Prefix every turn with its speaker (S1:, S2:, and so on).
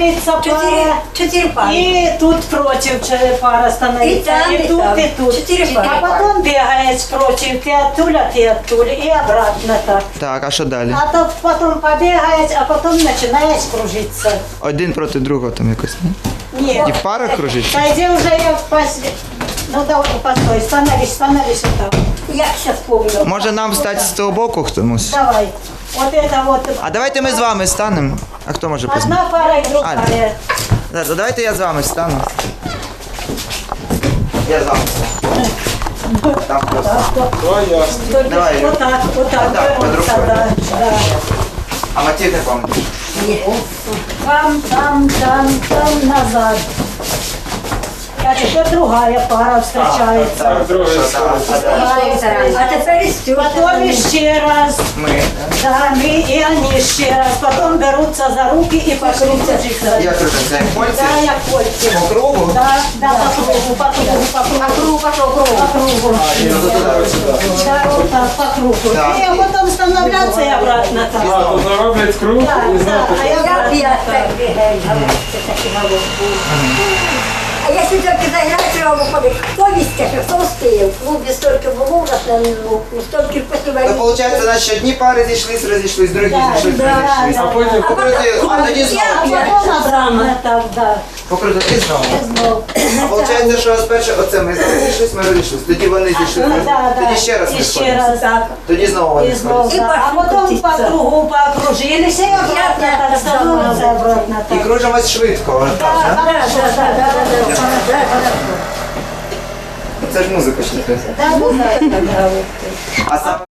S1: становиться пара.
S2: Четыре пары.
S1: И тут против пара становится.
S2: И
S1: И тут,
S2: там.
S1: и тут.
S2: Четыре пары.
S1: А потом бегает против. Ты оттуда, и обратно так.
S3: Так, а що далі?
S1: А то потом побегает, а потом начинает кружиться.
S3: Один проти другого там якось, ні?
S1: Нет.
S3: І в парах кружиться?
S1: Пойди уже я Ну давай, постой, становись вот так.
S2: Я сейчас помню.
S3: Може нам встати з того боку хтось?
S1: Давай. Вот это вот.
S3: А давайте ми з вами станемо. А хто може познати?
S1: Одна пара и другая.
S3: Давайте я з вами стану. Я з вами стану. Там просто.
S1: Только
S3: Давай.
S1: вот так
S3: Так, под
S1: берутся,
S3: рукой.
S1: да.
S3: А мотив не пам'ятаю.
S1: Там, назад. А теперь другая пара встречается.
S2: А теперь
S1: Потом еще раз.
S3: Ми.
S1: Да, мы и они еще раз. Потом берутся за руки и по кругу.
S3: Я кружу, це польці.
S1: Да, я кольки.
S3: По кругу?
S1: Да, по кругу.
S2: по кругу пошел
S1: По
S2: круг.
S1: кругу. Да, вот так, по кругу.
S3: Так.
S1: И потом становляться и обратно так.
S4: Тут роблять круг
S1: Да,
S4: і
S1: да,
S4: знову.
S1: а я обратно
S2: Я
S1: так.
S2: так бегаю. А если только заиграть, треба выходить. Кто везде, кто успеет. В клубе столько было у нас, ну, столько
S3: Ну,
S2: посылали.
S3: виходить, наші одні пари зійшлись, розійшлись, другі зійшлись, розійшлись.
S4: А потім
S3: Покрути, а тоді
S1: А
S3: знову.
S1: потом обратно так, да.
S3: Покрути, і знову.
S1: Знов.
S3: А виходить, що спершу оце ми зійшлись, ми розійшлись, тоді вони зійшлись, тоді ще раз ми
S1: І ще
S3: сходимося.
S1: раз. Так.
S3: Тоді знову вони
S1: И знов,
S3: сходяться.
S1: да. А потом по кругу покружились и обратно так становится, обратно
S3: І
S1: так.
S3: кружимось швидко, отак, да? Це ж музика ще.
S1: Да, ну, да, да, да.
S3: А саме